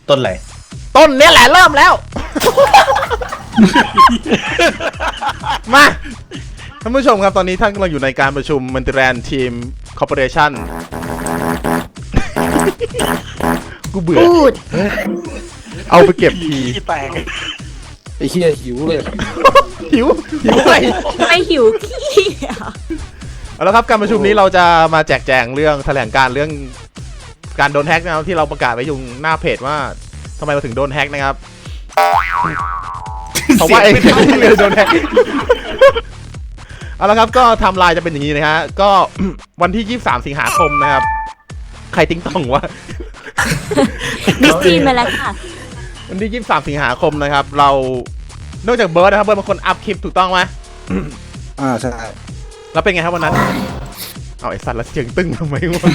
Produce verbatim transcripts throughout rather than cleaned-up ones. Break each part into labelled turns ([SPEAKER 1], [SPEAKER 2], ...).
[SPEAKER 1] ต้นอะไร
[SPEAKER 2] ต้นเนี้ยแหละเริ่มแล้ว มาท่านผู้ชมครับตอนนี้ท่านกำลังอยู่ในการประชุมมันติแรนทีมคอร์ปอเรชั่นกูเบื่อเอาไปเก็บที
[SPEAKER 3] ไอ้เหี้ยหิวเลย
[SPEAKER 2] หิวหิวไป
[SPEAKER 4] ไม่หิวขี้
[SPEAKER 2] เอาละครับการประชุมนี้เราจะมาแจกแจงเรื่องแถลงการเรื่องการโดนแฮกนะครับที่เราประกาศไว้อยู่หน้าเพจว่าทำไมเราถึงโดนแฮกนะครับเพราะว่าไอ้ที่เลยโดนแฮกเอาละครับก็ไทม์ไลน์จะเป็นอย่างนี้นะฮะก็วันที่ยี่สิบสามสิงหาคมนะครับใครติ้งต่องวะ
[SPEAKER 4] มิสทีนมาแล้วค่ะ
[SPEAKER 2] วันที่ยี่สิบสามสิงหาคมนะครับเรานอกจากเบิร์ดนะครับเบิร์ดเป็นคนอัพคลิปถูกต้องไหม
[SPEAKER 3] อ่าใช่
[SPEAKER 2] แล้วเป็นไงครับวันนั้นเอาไอ้สัตว์แล้วเสียงตึ้งทำไมวะ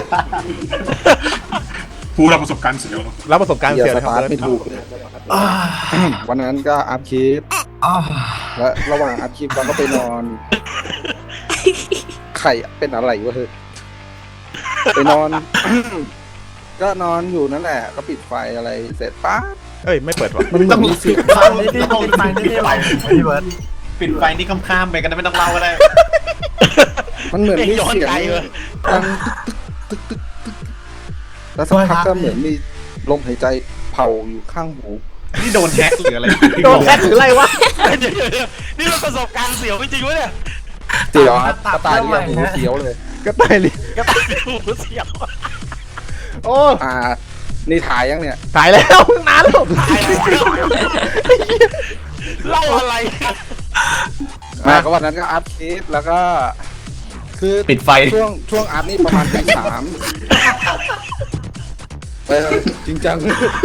[SPEAKER 5] ผู้รับประสบการณ์เสียว
[SPEAKER 2] รับประสบการณ์เสียว
[SPEAKER 3] นะครับไม่ถูกวันนั้นก็อัพคลิปและระหว่างอัพคลิปเราก็ไปนอนไข่เป็นอะไรวะเฮ้ยไปนอนก็นอนอยู่นั่นแหละก็ปิดไฟอะไรเสร็จปั๊บ
[SPEAKER 2] เอ้ยไม่เปิดวะ
[SPEAKER 3] มันต้องมีสิ
[SPEAKER 1] ไฟนี่ที่ปิดไฟนี่ที่ไรพี่เบิร์ดปิดไฟนี่ข้ามๆไปกันไม่ต้องเล่าก็ได้
[SPEAKER 3] มันเหมือนมีเสียงดังตึกตึกตึกแล้วสักพักก็เหมือนมีลมหายใจเผาอยู่ข้างหู
[SPEAKER 1] นี่โดนแฮกหรืออะไร
[SPEAKER 2] โดนแฮกหรืออะไรวะ
[SPEAKER 1] นี่มันประสบการณ์เสียวจริงๆวะเนี่ย
[SPEAKER 3] เสียวกระต่ายเรียกหูเสียวเลย
[SPEAKER 2] กระต่ายเรียก
[SPEAKER 1] กระต่ายเรียกหูเสียว
[SPEAKER 2] โอ้
[SPEAKER 3] อ่านี่ถ่ายยังเนี่ย
[SPEAKER 2] ถ่ายแล้วนานแล้วถ่าย
[SPEAKER 1] เล่าอะไร
[SPEAKER 3] มาก็วันนั้นก็อัพคลิปแล้วก็คือ
[SPEAKER 1] ปิดไฟ
[SPEAKER 3] ช่วงช่วงอัพนี่ประมาณตีสามไปจริงจัง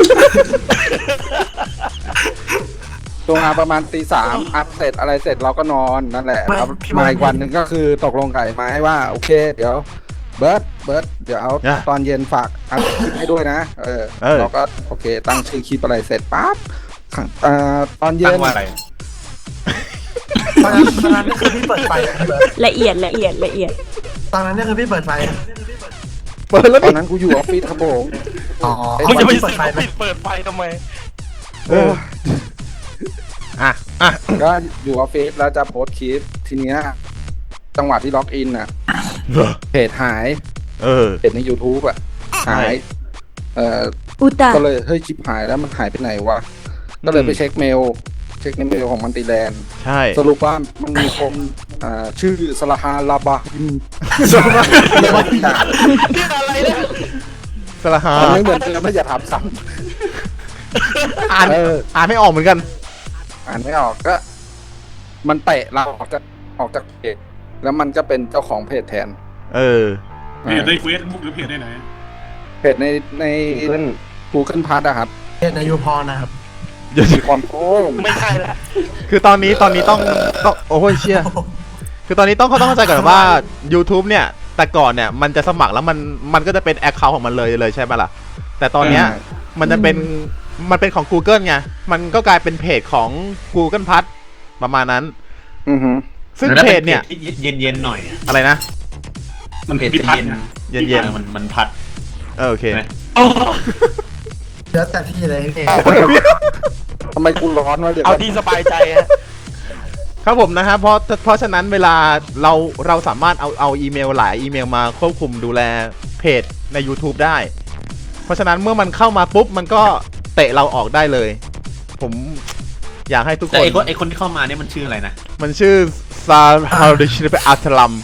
[SPEAKER 3] ตรงอัพประมาณตีสามอัพเสร็จอะไรเสร็จเราก็นอนนั่นแหละมาอีกวันหนึ่งก็คือตกลงไก่มาให้ว่าโอเคเดี๋ยวเบิร์ดเบิร์ดเดี๋ยวเอาตอนเย็นฝากอัพคลิปให้ด้วยนะเออเราก็โอเคตั้งชื่อคลิปอะไรเสร็จปั๊บตอนเย็น
[SPEAKER 1] ว่าอะไร
[SPEAKER 6] ตอนนั้นตอนนั้นนี่คือพี่เปิดไฟ
[SPEAKER 4] ละเอียดละเอียดละเอียด
[SPEAKER 6] ตอนนั้นนี่คือพี่เปิดไฟ
[SPEAKER 2] เปิดแล้ว
[SPEAKER 3] ตอนนั้นกูอยู่ออฟฟิศครับผม
[SPEAKER 6] อ๋อ
[SPEAKER 1] มึงจะไปเปิดไฟปิดเปิดไฟทำไม
[SPEAKER 2] เอออ่ะอ่ะ
[SPEAKER 3] ก็อยู่ออฟฟิศแล้วจะโพสคลิปทีเนี้ยจังหวะที่ล็อกอินอ่ะเพจหาย
[SPEAKER 2] เออ
[SPEAKER 3] เพจใน YouTube อ่ะหายเอ่อก็เลยเฮ้ยชิปหายแล้วมันหายไปไหนวะก็เลยไปเช็คเมลเช็คในเมลของมันติแลนด์
[SPEAKER 2] ใช่
[SPEAKER 3] สรุปว่ามันมีคนอ่าชื่อสลาฮาลาบาฮิม
[SPEAKER 2] สลาฮาอะไรเนี่ยสลาฮา
[SPEAKER 3] ไม่เหมือนเดิมไม่อย่าถามซ้
[SPEAKER 2] ำอ่านอ่านไม่ออกเหมือนกัน
[SPEAKER 3] อ่านไม่ออกก็มันเตะเราออกจากออกจากเพจแล้วมันก็เป็นเจ้าของเพจแทน
[SPEAKER 2] เออ
[SPEAKER 5] เพจในเฟซบุ๊กหรือเพจได้ไหน
[SPEAKER 3] เพจในในกูเกิลพาร์ทอะครับ
[SPEAKER 6] เพจในยูพอนะครับ
[SPEAKER 3] ยูพอโอ้
[SPEAKER 6] ไม่ใช่ละ
[SPEAKER 2] คือตอนนี้ตอนนี้ต้องต้องโอ้ยเชี่ยคือตอนนี้ต้องเขาต้องเข้าใจก่อนว่า YouTube เนี่ยแต่ก่อนเนี่ยมันจะสมัครแล้วมันมันก็จะเป็นแอคเคาท์ของมันเลยเลยใช่ไหมล่ะแต่ตอนเนี้ยมันจะเป็นมันเป็นของ Google ไงมันก็กลายเป็นเพจของ Google พัทประมาณนั้น
[SPEAKER 3] อือฮึ
[SPEAKER 2] ซึ่งเพจเนี่ย
[SPEAKER 1] เย็นๆหน่อย
[SPEAKER 2] อะไรนะ
[SPEAKER 1] มันเพจเย็น
[SPEAKER 2] เย็น
[SPEAKER 1] ๆมันมันพัด
[SPEAKER 2] เออโอเค
[SPEAKER 6] เดี๋ยวแต่ที่เลยพี่
[SPEAKER 3] ทำไมกูร้อนวะเดี๋ยว
[SPEAKER 1] เอาที่สบายใจ
[SPEAKER 2] ครับผมนะฮะเพราะเพราะฉะนั้นเวลาเราเราสามารถเอาเอาอีเมลหลายอีเมลมาควบคุมดูแลเพจใน YouTube ได้เพราะฉะนั้นเมื่อมันเข้ามาปุ๊บมันก็เตะเราออกได้เลยผมอยากให้ทุกคน
[SPEAKER 1] ไอ้คนไอ้คนที่เข้ามาเนี่ยมันชื่ออะไรนะ
[SPEAKER 2] มันชื่อซาฮาริชิเปอัตลัม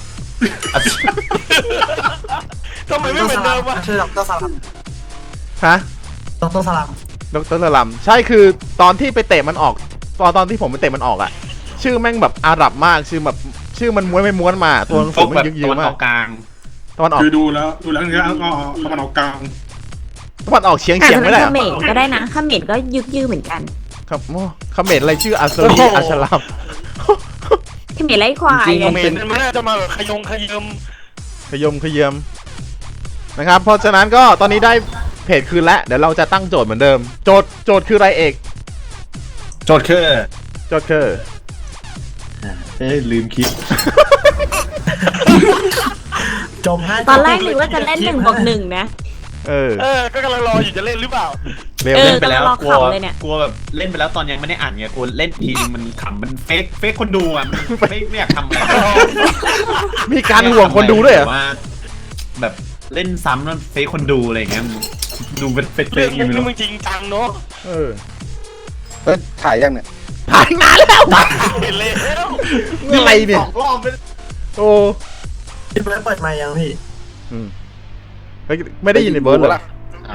[SPEAKER 1] ทำไมไม่เหมือนเดิมวะ
[SPEAKER 6] ชื่อดรสลัม
[SPEAKER 2] ฮะ
[SPEAKER 6] ดรสลัม
[SPEAKER 2] ดรสลัมใช่คือตอนที่ไปเตะมันออกตอนตอนที่ผมไปเตะมันออกอะชื่อแม่งแบบอาหรับมากชื่อแบบชื่อมันม้วนไม่ม้วนมาตัวหนังสือมันยึกยืมมาก
[SPEAKER 1] ตะวันออกกลาง
[SPEAKER 2] ตะวันออก
[SPEAKER 5] คือดูแล้วดูแล้วคืออ๋อตะวันออกกลาง
[SPEAKER 2] ตะวันออกเฉียงเฉียงไม่ได้
[SPEAKER 4] เขมรก็ได้นะเขมรก็ยึกยืมเหมือนกัน
[SPEAKER 2] ครับเขมรอะไรชื่ออัสรีอัชลัม
[SPEAKER 4] เขมรไรควาย
[SPEAKER 1] เขมรมันน่าจะมาขยงขยม
[SPEAKER 2] ขยมขยมนะครับเพราะฉะนั้นก็ตอนนี้ได้เพจคืนแล้วเดี๋ยวเราจะตั้งโจทย์เหมือนเดิมโจทย์โจทย์คืออะไรเอก
[SPEAKER 1] โจทย์คือ
[SPEAKER 2] โจทย์คือ
[SPEAKER 1] เอ้ยลืมคิด
[SPEAKER 6] จมให้
[SPEAKER 4] ตอนแรกนึกว่าจะเล่นหนึ่งบวกหนึ่งนะ
[SPEAKER 2] เออ
[SPEAKER 7] เออก็กำลังรออยู่จะเล่นหรือเปล่า
[SPEAKER 2] เร็ว
[SPEAKER 4] เออ
[SPEAKER 2] เล่น
[SPEAKER 1] ไปแล้ว
[SPEAKER 4] กำลังรอก
[SPEAKER 1] ลัว
[SPEAKER 4] ขำเลยเนี่ย
[SPEAKER 1] กลัวแบบเล่นไปแล้วตอนยังไม่ได้อ่านไงกลัวเล่นทีนึงมันขำมันเฟกเฟกคนดูอ่ะมันไม่ไม่อยากทำอะไร
[SPEAKER 2] มีการห่วงคนดูด้วยเหรอ
[SPEAKER 1] แบบว่าแบบเล่นซ้ำแล้วเฟกคนดูอะไรอย่างเงี้ยมันดูเป็นเฟกเฟ
[SPEAKER 7] เรื่อก ง
[SPEAKER 1] อยู่
[SPEAKER 7] นี้
[SPEAKER 1] เนาะ
[SPEAKER 7] มึงจริงจังเนาะ
[SPEAKER 2] เออ
[SPEAKER 3] เอ้ยถ่ายยังเนี่ย
[SPEAKER 2] ผ่านนานแล้ว
[SPEAKER 7] เห็นแล้ว
[SPEAKER 2] อะไรเนี่ย
[SPEAKER 1] สองรอบไป
[SPEAKER 2] โอ้
[SPEAKER 6] พี่เบิร์ดเปิดไมค์ยังพี่
[SPEAKER 2] อืมเฮ้ยไม่ได้ยินในเบิร์ดเหรอ
[SPEAKER 3] ล่ะ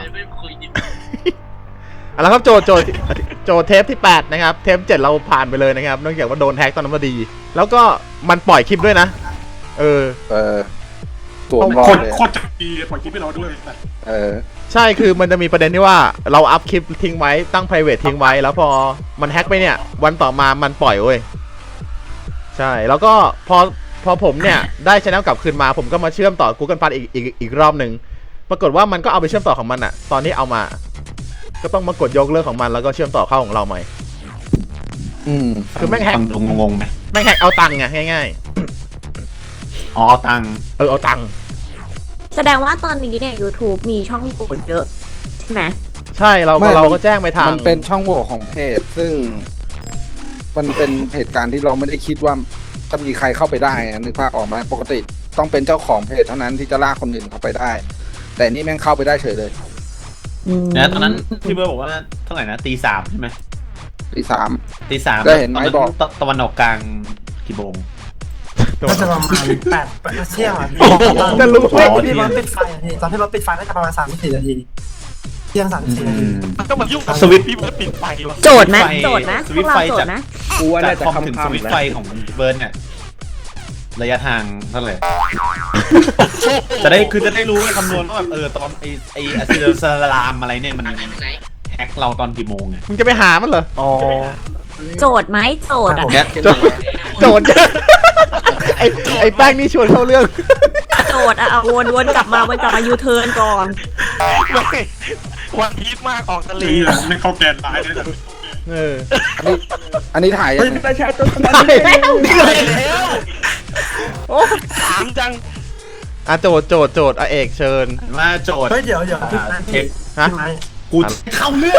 [SPEAKER 2] เอาละครับโจทย์โจทย์โจทย์เทปที่แปดนะครับเทปเจ็ดเราผ่านไปเลยนะครับเนื่องจากว่าโดนแฮกตอนนั้นพอดี แล้วก็มันปล่อยคลิปด้วยนะ เออ
[SPEAKER 3] เออตัวรอ
[SPEAKER 5] โค
[SPEAKER 3] ด
[SPEAKER 5] ตร
[SPEAKER 3] เลย
[SPEAKER 5] โคตรจะดีปล่อยคลิปให้เราด้วย
[SPEAKER 3] เออ
[SPEAKER 2] ใช่คือมันจะมีประเด็นที่ว่าเราอัพคลิปทิ้งไว้ตั้ง private ทิ้งไว้ แล้วพอมันแฮกไปเนี่ย วันต่อมามันปล่อยเว้ยใช่แล้วก็พอพอผมเนี่ยได้ช anel กลับคืนมาผมก็มาเชื่อมต่อ Google Plus อีกอีกอีกรอบหนึ่งปรากฏว่ามันก็เอาไปเชื่อมต่อของมันอะตอนที่เอามา ก็ต้องมากดยกเลิกของมันแล้วก็เชื่อมต่อเข้าของเราใหม่
[SPEAKER 3] อืม
[SPEAKER 2] คือแม่งแฮก
[SPEAKER 1] ฟังดูงงๆไหม
[SPEAKER 2] แม่งแฮกเอาตังค์ไงง่าย
[SPEAKER 1] อ๋อเอาตังค์
[SPEAKER 2] ๆเออเอาตังค์
[SPEAKER 4] แสดงว่าตอนนี้เนี่ย YouTube มีช่องโหว่เยอะใช่ไหม
[SPEAKER 2] ใช่เรา
[SPEAKER 3] ไม่
[SPEAKER 2] เราก็แจ้งไปทาง
[SPEAKER 3] มันเป็นช่องโหว่ของเพจ ซึ่ง มันเป็นเหตุการณ์ที่เราไม่ได้คิดว่าจะมีใครเข้าไปได้อะนึกภาพออกไหมปกติต้องเป็นเจ้าของเพจเท่านั้นที่จะลากคนอื่นเข้าไปได้ แต่นี่แม่งเข้าไปได้เฉยเลย
[SPEAKER 1] นะตอนนั้นพี่เบิร์ดบอกว่าเท่าไหร่นะตีสามใช่ไหม
[SPEAKER 3] ที่สาม
[SPEAKER 1] ตีสาม
[SPEAKER 3] ได้เห็นไหม
[SPEAKER 1] ตนั้น
[SPEAKER 3] บอก
[SPEAKER 1] ตะตะวันออกกลางกี่โมง
[SPEAKER 6] ก็จะประมาณแปดแปดเที่ยงอ่ะพี่
[SPEAKER 2] จะรู้ไหม
[SPEAKER 6] พี่เบิร์ดปิดไฟอ่ะพี่ตอนที่เบิร์ดปิดไฟน่าจะประมาณสามสิบสี่นาทีเที่ยงสามสิบสี่นาที
[SPEAKER 7] ก็มายุ่งกับ
[SPEAKER 1] สวิตช์
[SPEAKER 7] พี่เบิร์ดปิดไฟวะ
[SPEAKER 4] โจทย์นะ
[SPEAKER 1] สวิตช์ไฟ
[SPEAKER 4] โจทย์นะ
[SPEAKER 1] ส
[SPEAKER 4] พ
[SPEAKER 1] วิ
[SPEAKER 4] ว
[SPEAKER 1] ต
[SPEAKER 4] ก
[SPEAKER 1] ช์
[SPEAKER 4] เรา
[SPEAKER 1] ไฟ
[SPEAKER 4] โจท
[SPEAKER 1] จาก
[SPEAKER 4] ย์นะ
[SPEAKER 8] กูว่า
[SPEAKER 1] จา
[SPEAKER 8] น่าก จะ
[SPEAKER 1] คอม
[SPEAKER 8] คำ
[SPEAKER 1] ถึง
[SPEAKER 8] ๆ
[SPEAKER 1] สวิตช์
[SPEAKER 8] แหละ
[SPEAKER 1] ไฟของเบิร์ดเนี่ยระยะทางเท่าไหร่จะได้คือจะได้รู้คำนวณว่าแบบเออตอนไอไออะซิลซาลามอะไรเนี่ยมันแฮกเราตอนกี่โมงไง
[SPEAKER 2] มึงจะไปหามันเหรอ
[SPEAKER 1] อ๋อ
[SPEAKER 4] โจทย์ไหมโจทย์อ่ะ
[SPEAKER 1] เนี่ย
[SPEAKER 2] โจทย์โจทย์ไอ้ไอ้แป้งนี่ชวนเข้าเรื่อง
[SPEAKER 4] โจทย์อ่ะเอาวนวนกลับมาวนกลับมายูเทิร์นก่อน
[SPEAKER 7] ไม่วันพีชมากออกทะเล
[SPEAKER 5] นี่แหละไม่เข้าแกนร้ายเลยนะ
[SPEAKER 2] เออ
[SPEAKER 3] อันนี้ถ่ายยังไง
[SPEAKER 8] ไม่ใช่ต้น
[SPEAKER 2] ได้แล้ว
[SPEAKER 7] ไปแล้ว
[SPEAKER 2] โอ้
[SPEAKER 7] ถามจัง
[SPEAKER 2] อ่ะโจทย์โจทย์โจทย์อ่ะเอกเชิญ
[SPEAKER 1] มาโจทย์
[SPEAKER 6] เฮ้ยเดี๋ยวเดี๋ยวพี่
[SPEAKER 1] อ่า
[SPEAKER 6] พี่
[SPEAKER 1] เทป
[SPEAKER 2] ฮะ
[SPEAKER 6] พี่ไม้
[SPEAKER 1] กูจะเข้าเรื่อง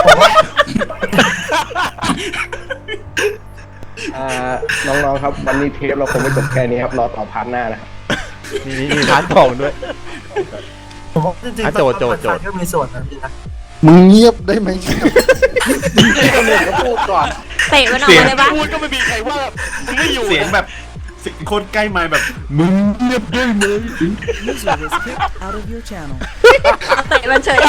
[SPEAKER 8] อ่าน้องๆครับวันนี้เทปเราคงไม่จบแค่นี้ครับรอต่อพาร์ทหน้านะครับ
[SPEAKER 2] มีมีมีพาร์ทสองด้วย
[SPEAKER 6] ผมบอกจริง
[SPEAKER 2] อ่ะ
[SPEAKER 6] ๆ
[SPEAKER 2] โจทย์โจทย์
[SPEAKER 6] เปิดไฟก็มีส่วนนะพี่นะ
[SPEAKER 3] มึงเงียบได้ไหม
[SPEAKER 8] คนอื่นก็พูดก่อน
[SPEAKER 4] เตะมันออกมาเลยปะ
[SPEAKER 7] พูดก็ไม่มีใครว่ามึงไม่อยู่
[SPEAKER 1] เสียงแบบเสียงโคตรใกล้ไมค์แบบมึงเงียบได้ไหม
[SPEAKER 4] เอาเตะมันเฉย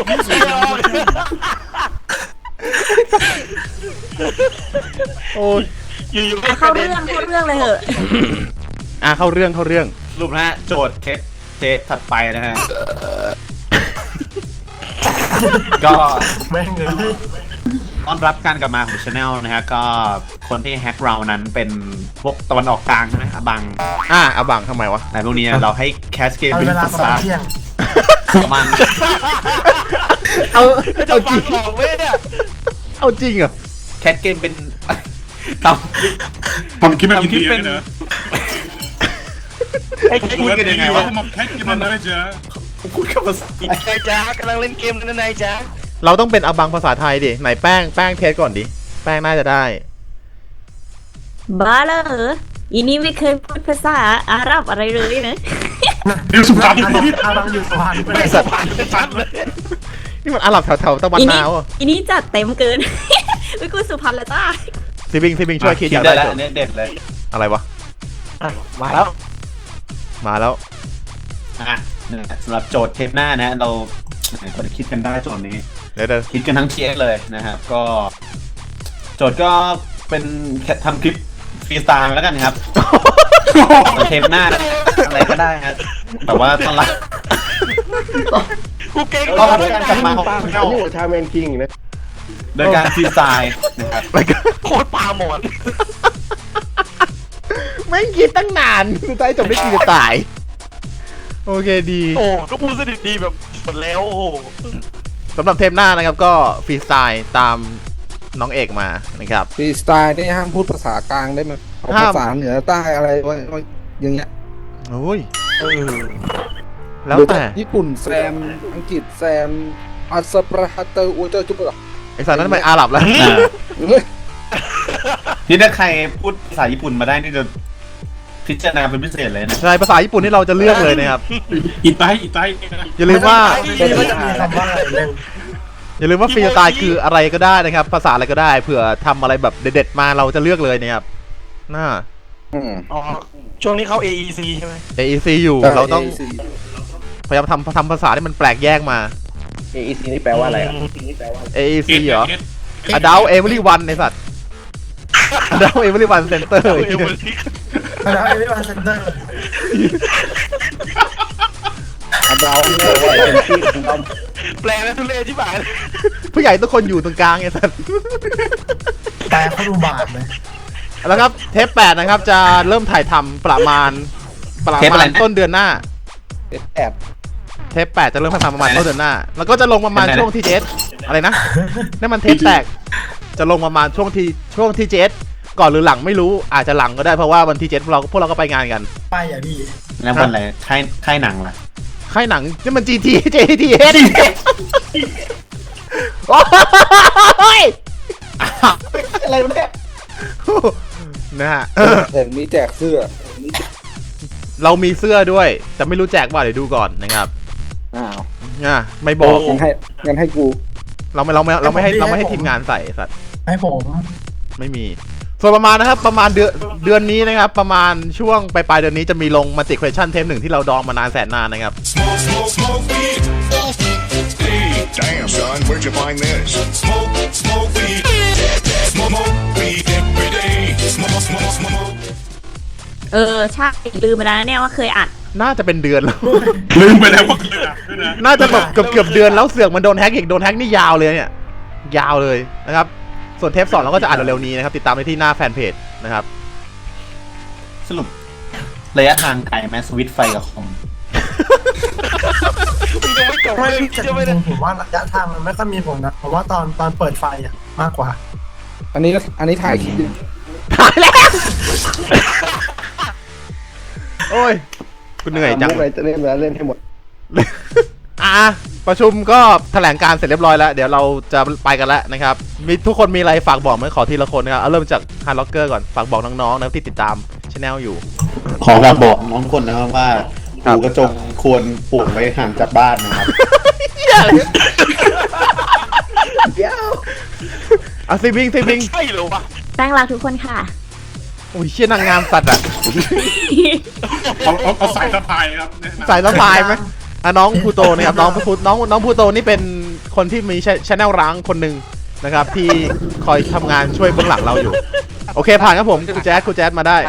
[SPEAKER 2] โอ้ย
[SPEAKER 7] อยู่ๆ
[SPEAKER 4] อ่ะเข้าเรื่องเข้าเรื่องเลยเหอะ
[SPEAKER 2] อ่ะเข้าเรื่องเข้าเรื่อง
[SPEAKER 1] สรุปนะฮะโจทย์เทปเทปถัดไปนะฮะ ก็
[SPEAKER 6] แม่งเลยพี่
[SPEAKER 1] ต้อนรับการกลับมาของชาแนลนะฮะก็คนที่แฮกเรานั้นเป็นพวกตะวันออกกลางใช่ไหมอบัง
[SPEAKER 2] อ่ะเอาบังทำไมวะ
[SPEAKER 1] แต่พวกนี้เราให้แคสเกม
[SPEAKER 6] เอา
[SPEAKER 1] เป็น
[SPEAKER 6] เวลา
[SPEAKER 1] ภา
[SPEAKER 6] ประมา
[SPEAKER 1] ษา
[SPEAKER 6] ณเที่ยง
[SPEAKER 1] ประมาณ
[SPEAKER 2] เอา
[SPEAKER 7] จะ
[SPEAKER 2] เอาจ
[SPEAKER 7] ฟั
[SPEAKER 2] ริ
[SPEAKER 7] ง
[SPEAKER 2] ง
[SPEAKER 7] ออกไหมเนี่ย
[SPEAKER 2] เอาจริงเหรอ
[SPEAKER 1] แคสเกมเป็นทำ
[SPEAKER 5] ทำคลิปแบบอินเดีย
[SPEAKER 1] ทำคลิปเป็น
[SPEAKER 5] เนอะ
[SPEAKER 1] ให้คุยกันยังไงวะ
[SPEAKER 5] มาแค่กินมันเลยจ้ะ
[SPEAKER 1] พูดกับภาษาอังกฤษ
[SPEAKER 7] นายจ้ากำลังเล่นเกมนั่นนายจ้า
[SPEAKER 2] เราต้องเป็นเอาบังภาษาไทยดิไหนแป้งแป้งเทสก่อนดิแป้งน่าจะได้
[SPEAKER 4] บ้าเหรออีนี่ไม่เคยพูดภาษาอาหรับอะไรเลยนะ
[SPEAKER 5] เดี๋ยวสุพรรณ
[SPEAKER 6] อาบังอาบังอยู่สุพรรณ
[SPEAKER 7] ไม่สัมพันธ์ไม่ชัดเลย
[SPEAKER 2] นี่มันอาหรับแถวๆตะวัน
[SPEAKER 4] อี
[SPEAKER 2] นา
[SPEAKER 4] นี่
[SPEAKER 2] วอ่ะ
[SPEAKER 4] อีนี่จัดเต็มเกิน วิกูสุพรรณแล้วจ้า
[SPEAKER 2] ซิบิงซิบิงช่วยคิดอยาก
[SPEAKER 1] ได้
[SPEAKER 2] ได้
[SPEAKER 1] แล้ว
[SPEAKER 2] โจท
[SPEAKER 1] อัน
[SPEAKER 2] ย์
[SPEAKER 1] นี้เด็ดเลย
[SPEAKER 2] อะไรวะ
[SPEAKER 7] มาแล้ว
[SPEAKER 2] มาแล้ว
[SPEAKER 1] อ่ะนี่สำหรับโจทย์เทปหน้านะฮะเราไหนคนคิดกันได้โจทย์นี้
[SPEAKER 2] เดี๋ยวเดี๋ยว
[SPEAKER 1] คิดกันทั้งเชียร์เลยนะครับก็ โจทย์ก็เป็นแค่ทำคลิปฟรีสไตล์แล้วกันครับ เทปหน้านะอะไรก็ได้ครับแต่ว่าตอนรับ
[SPEAKER 7] กูเก่ง
[SPEAKER 1] ต้อนรับการกลับมาของ
[SPEAKER 8] ป้า
[SPEAKER 1] ชา
[SPEAKER 8] ผม
[SPEAKER 1] แนล
[SPEAKER 8] อยู่กับชาแมนคิงอีกนะ
[SPEAKER 1] โดยการฟรีสไตล์นะครับ
[SPEAKER 7] โคตรปลาหมอน
[SPEAKER 2] ไม่คิดตั้งนานสุดท้ายจบได้กี่ตาย โอเคดี
[SPEAKER 7] โอ้ก็พูดสนิทดีแบบหมดแล้วโอ้
[SPEAKER 2] สำหรับเทปหน้านะครับก็ฟรีสไตล์ตามน้องเอกมานะครับ
[SPEAKER 3] ฟรีสไตล์นี่ห้ามพูดภาษากลางได้ไหมเอา
[SPEAKER 2] ห้าม
[SPEAKER 3] ภาษาเหนือใต้อะไรไว้ไว้อย่างเงี้ย
[SPEAKER 2] โอ้ย
[SPEAKER 7] เออ
[SPEAKER 2] แล้วแต่
[SPEAKER 3] ญี่ปุ่นแซมอังกฤษแซมอัสปราฮัตเตอร์อูเตอร์จุ๊บเหรอ
[SPEAKER 2] ไอสารนั้นเป็นอาหรับแล้ว
[SPEAKER 1] อ่านี่ถ้าใครพูดภาษาญี่ปุ่นมาได้นี่จะพิจารณาเป็นพิเศษเลยนะ
[SPEAKER 2] ใช่ภาษาญี่ปุ่นที่เราจะเลือกเลยนะครับ
[SPEAKER 5] อีไตอีไต
[SPEAKER 2] อย่าลืมว่า
[SPEAKER 6] ไม่ก็จะมีคำว่าอะไรเรื่อง
[SPEAKER 2] อย่าลืมว่าฟรีสไตล์คืออะไรก็ได้นะครับ ภาษาอะไรก็ได้เผื่อทำอะไรแบบเด็ดๆมาเราจะเลือกเลยนะครับน่า
[SPEAKER 3] อืม
[SPEAKER 7] อ๋อช่วงนี้เข้า เอ อี ซี ใช่ไหม
[SPEAKER 2] เอ อี ซี อยู่เราต้องพยายามทำทำภาษาที่มันแปลกแยกมา
[SPEAKER 8] เอ อี ซี นี่แปลว่าอะไรอ่ะ
[SPEAKER 2] เอ อี ซี เหรอ Adult Everyone ในสัตว์ Adult Everyone Center
[SPEAKER 6] แล้วไอ้ไม่มาเซ็นเตอร์
[SPEAKER 3] อันดาวเนี่ยว่าเป็นที่ของเรา
[SPEAKER 7] แปลแล้วทุเรศที่บ่าย
[SPEAKER 2] ผู้ใหญ่ทุกคนอยู่ตรงกลางไงสัตว์
[SPEAKER 6] แต่เขาดูบาปเลย
[SPEAKER 2] แล้วครับเทปแปดนะครับจะเริ่มถ่ายทำประมาณประ
[SPEAKER 1] เทป
[SPEAKER 2] มา
[SPEAKER 1] อะไร
[SPEAKER 2] ณ
[SPEAKER 1] นะ
[SPEAKER 2] ต้นเดือนหน้า
[SPEAKER 3] แอบ
[SPEAKER 2] เทปแปดจะเริ่มถ่ายทำประมาณต้นเดือนหน้า แล้วก็จะลงประมาณ
[SPEAKER 1] เป็นไงนะ
[SPEAKER 2] ช่วงที่เจสอะไรนะนั่นมันเทปแตกจะลงประมาณช่วงที่ช่วงที่เจสก่อนหรือหลังไม่รู้อาจจะหลังก็ได้เพราะว่าวันที่เจสพวกเราพวกเราก็ไปงานกัน
[SPEAKER 6] ไปอ่ะพี่
[SPEAKER 1] แล้ววันอะไรค่ายค่ายหนังล่ะ
[SPEAKER 2] ค่ายหนังนี่มัน จี ที เจ ที เอส โอ้ย
[SPEAKER 1] อะไรวะเนี่ย
[SPEAKER 2] นะฮะ
[SPEAKER 3] เห็นมีแจกเสื้อ
[SPEAKER 2] เรามีเสื้อด้วยแต่ไม่รู้แจกว่าเดี๋ยวดูก่อนนะครับ
[SPEAKER 3] อ้าว
[SPEAKER 2] อ่ะไม่บอก
[SPEAKER 3] งั้นให้งั้นให้กู
[SPEAKER 2] เราไม่เราไม่เราไม่ให้เราไม่ให้ทีมงานใส่สัตว์
[SPEAKER 6] ให้ผม
[SPEAKER 2] ไม่มี ส่วนประมาณนะครับประมาณเดือนเดือนนี้นะครับ ประมาณช่วงปลายปลายๆเดือนนี้จะมีลงมัลติเควชั่นเทปหนึ่งที่เราดองมานานแสนนานนะครับ
[SPEAKER 9] Smoke, smoke, smoke weed. Hey, damn, son, where'd you find this? Smoke, smoke weed. Smoke, smoke weed every day. Smoke, smoke, smoke.
[SPEAKER 4] เออใช่ลืมไปแล้วนะเนี่ยว่าเคยอัด
[SPEAKER 2] น่าจะเป็นเดือนแล้ว
[SPEAKER 5] ลืมไปแล้วว่าเคยอ่ะด้วยนะ
[SPEAKER 2] น่าจะแบบเกือบเกือบเดือนแล้วเสือกมันโดนแฮกอีกโดนแฮกนี่ยาวเลยเนี่ยยาวเลยนะครับส่วนเทปสองเราก็จะอ่านเร็วๆนี้นะครับติดตามได้ที่หน้าแฟนเพจนะครับ
[SPEAKER 1] สรุประยะทางไกลไหมสวิตช์ไฟกับคอม
[SPEAKER 7] มึงยังไม่จบ
[SPEAKER 6] ไม่
[SPEAKER 7] เลย
[SPEAKER 6] พี่
[SPEAKER 7] พี่
[SPEAKER 6] จะ
[SPEAKER 7] จะไม่
[SPEAKER 6] จ
[SPEAKER 7] ได้
[SPEAKER 6] ริงๆผมว่าระยะทางมันไม่ค่อยมีผลนะผมว่าตอนตอนเปิดไฟอ่ะมากกว่า
[SPEAKER 3] อันนี้อันนี้ถ่ายคลิปดิ
[SPEAKER 2] ถ่ายแล้ว โอ้ยคุณเหนื่อยจัง
[SPEAKER 8] มุกอะไรจะเล่นแล้วเล่นให้หมด
[SPEAKER 2] อ่ะประชุมก็แถลงการเสร็จเรียบร้อยแล้ว เดี๋ยวเราจะไปกันแล้วนะครับ มีทุกคนมีอะไรฝากบอกไหมขอทีละคนนะครับเอาเริ่มจากฮาร์ล็อกเกอร์ก่อน ฝากบอกน้องๆนะครับที่ติดตามช anel อยู่
[SPEAKER 1] ขอฝากบอกน้องทุกคนนะครับว่า
[SPEAKER 2] ครับ
[SPEAKER 1] หูกระจงควรปลูกไว้ห่างจากบ้านนะครับ
[SPEAKER 2] อ่ะซิบิงซิบิง
[SPEAKER 7] ใช่เหรอวะ
[SPEAKER 4] แป้งรักทุกคนค่ะ
[SPEAKER 2] โอ้ยเชี่ยนางงามสัตว์อ่ะ
[SPEAKER 5] เอาเอาเอาสายสะพายครับแนะนำ
[SPEAKER 2] สายสะพายไหมอ่ะน้องพูโตนะครับน้องพูน้องน้องพูโตนี่เป็นคนที่มีช anel ร้างคนหนึ่งนะครับ ที่คอยทำงานช่วยเบื้องหลังเราอยู่ โอเคผ่านครับผมคุณแจ๊ดคุณแจ๊ดมาได้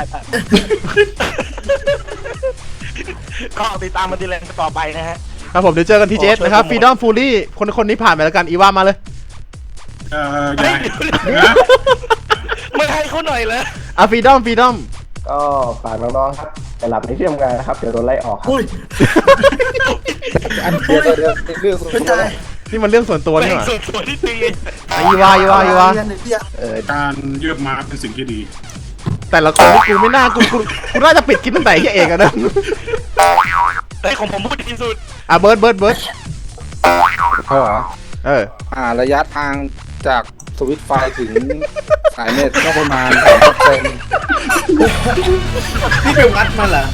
[SPEAKER 7] ก็ติดตามมาทีแรงต่อไปนะฮะ
[SPEAKER 2] ครับผมเดี๋ยวเจอกันที่เจสนะครับฟรีดอมฟูลี่คนคนนี้ผ่านไปแล้วกันอีว่ามาเลย
[SPEAKER 5] เอ่ออย่านะ
[SPEAKER 7] ไม่ให้เขาหน่อยเลย
[SPEAKER 2] อ่ะฟรีดอมฟรีดอม
[SPEAKER 8] ก็ฝากน้องๆครับไปหลับในที่ทำงานนะครับ เดี๋ยวโดนไล่ออกครับ
[SPEAKER 6] อุ้ย
[SPEAKER 3] อันเดียวเดียวเรื่องส่วน
[SPEAKER 6] ไม่
[SPEAKER 3] ตัว
[SPEAKER 6] ได้
[SPEAKER 2] นี่มันเรื่องส่วนตัว
[SPEAKER 7] แม่
[SPEAKER 2] นี่
[SPEAKER 7] ง
[SPEAKER 2] หว่า
[SPEAKER 7] สุดสวยที่ตี
[SPEAKER 2] อ่ะอีว่าอีว่าอีว่า
[SPEAKER 6] เรียนหนึ่งเดียว
[SPEAKER 8] เออ
[SPEAKER 5] การเยือบม้าเป็นสิ่งที่ดี
[SPEAKER 2] แต่ละคนนี่กูไม่น่ากูกูกูน่าจะปิดคลิปตั้งแต่ที่เอกอะนะ
[SPEAKER 7] แต่ของผมพูดดีที่สุด
[SPEAKER 2] อ่ะเบิร์ดเบิร์ดเบิร์ด
[SPEAKER 3] เขาเหรอ
[SPEAKER 2] เออ
[SPEAKER 3] อ่าระยะทางจากสวิตช์ไฟถึงสายเน็ตก็ประมาณสามเซน
[SPEAKER 1] นี่ไปวัดมาเหรอ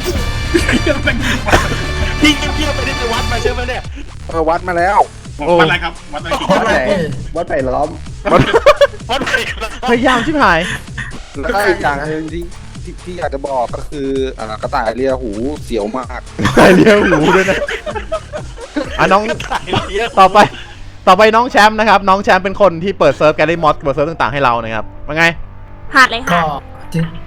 [SPEAKER 7] พี่เงียบๆไปได้ไปวัดมาใช่ไหมเนี่ย
[SPEAKER 3] เออวัดมาแล้ว
[SPEAKER 5] วัดอะไรครับวัดอะไรกี่
[SPEAKER 3] วัดไหน
[SPEAKER 8] วัดไผ่ล้อม
[SPEAKER 7] วัดไปแล้ว
[SPEAKER 2] พยายามชิบหาย
[SPEAKER 3] แล้วก็อีกอย่างหนึงที่ที่ที่อยากจะบอกก็คืออ่ากระต่ายเลียหูเสียวมาก
[SPEAKER 2] ใส่เลี้ยวหูด้วยนะอ่ะน้อง
[SPEAKER 7] ถ่ายเยอะ
[SPEAKER 2] ต่อไป ต่อไปน้องแชมป์นะครับ น้องแชมป์เป็นคนที่เปิดเซิร์ฟแกลลี่มอสเปิดเซิร์ฟต่างๆให้เรานะครับว่าไง
[SPEAKER 4] ผ่านเลย
[SPEAKER 6] ก็
[SPEAKER 4] ค่ะ
[SPEAKER 6] จริง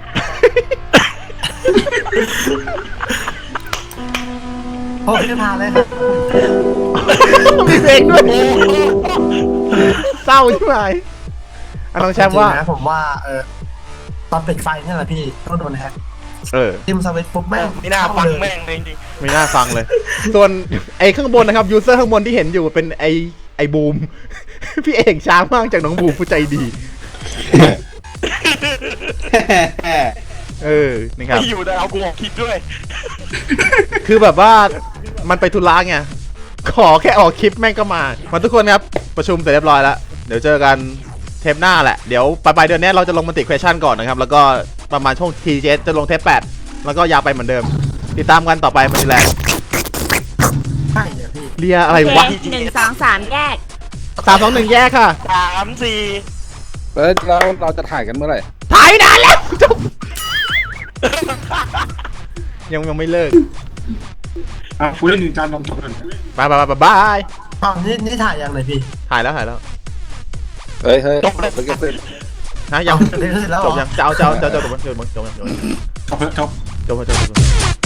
[SPEAKER 6] โอ้ยไม่พาเลยครับ
[SPEAKER 2] มีเพลงด้วยเศร้าใช่ไหมอ่ะน้องแชมป์ว่า
[SPEAKER 6] จริงๆนะผมว่าเออตอนปิดไฟนี่แหละพี่ต้องโดนแฮก
[SPEAKER 2] เออ
[SPEAKER 6] ทิมสวิตช์ปุ๊บแม่ง
[SPEAKER 7] ไม่น่าฟังแม่งเลยจริง
[SPEAKER 2] ไม่น่าฟังเลย ส่วนไอ้ข้างบนนะครับยูเซอร์ข้างบนที่เห็นอยู่เป็นไอ้ไอ้บูม พี่เอกช้างมากจากน้องบูมผู้ใจดี เออ
[SPEAKER 7] ๆ
[SPEAKER 2] นะครับ
[SPEAKER 7] ไม่อยู่แต่เอากูออกคลิปด้วย
[SPEAKER 2] คือแบบว่ามันไปธุระไงขอแค่ออกคลิปแม่งก็มามาทุกคนครับประชุมเสร็จเรียบร้อยแล้วเดี๋ยวเจอกันเทปหน้าแหละเดี๋ยวปลายเดือนนี้เราจะลงมัลติเควชั่นก่อนนะครับแล้วก็ประมาณช่วง ที เจ เอส จะลงเทปแปดแล้วก็ยาวไปเหมือนเดิมติดตามกันต่อไปมันแหละ
[SPEAKER 6] ใช่เดี๋ยวพี่
[SPEAKER 2] เรียอะไร
[SPEAKER 4] โอเคว
[SPEAKER 2] ะ
[SPEAKER 4] หนึ่งสองสามแยก
[SPEAKER 2] สามสองหนึ่งแยกค่ะ
[SPEAKER 7] สามสี่
[SPEAKER 3] เบิร์ดแล้วเราจะถ่ายกันเมื่อไหร่
[SPEAKER 2] ถ่ายนานแล้วจบยังยังไม่เลิก
[SPEAKER 5] อ่ะคุยเรื่องหนึ่งจานลองจบกัน
[SPEAKER 2] บายบายบายบาย
[SPEAKER 6] อ๋อนี่นี่ถ่ายยังเลยพี่
[SPEAKER 2] ถ่ายแล้วถ่ายแล้ว
[SPEAKER 3] เฮ้ยเฮ้ยมันก็เป็น
[SPEAKER 2] ฮะยัง
[SPEAKER 6] เสร็จแล้วเห
[SPEAKER 2] จ
[SPEAKER 6] ร
[SPEAKER 2] บ
[SPEAKER 6] อ
[SPEAKER 2] ยังจะเอาจะเอาจะเอาจบจบจบจบจบจบ
[SPEAKER 5] จบแล้วจบ
[SPEAKER 2] จบจบจบ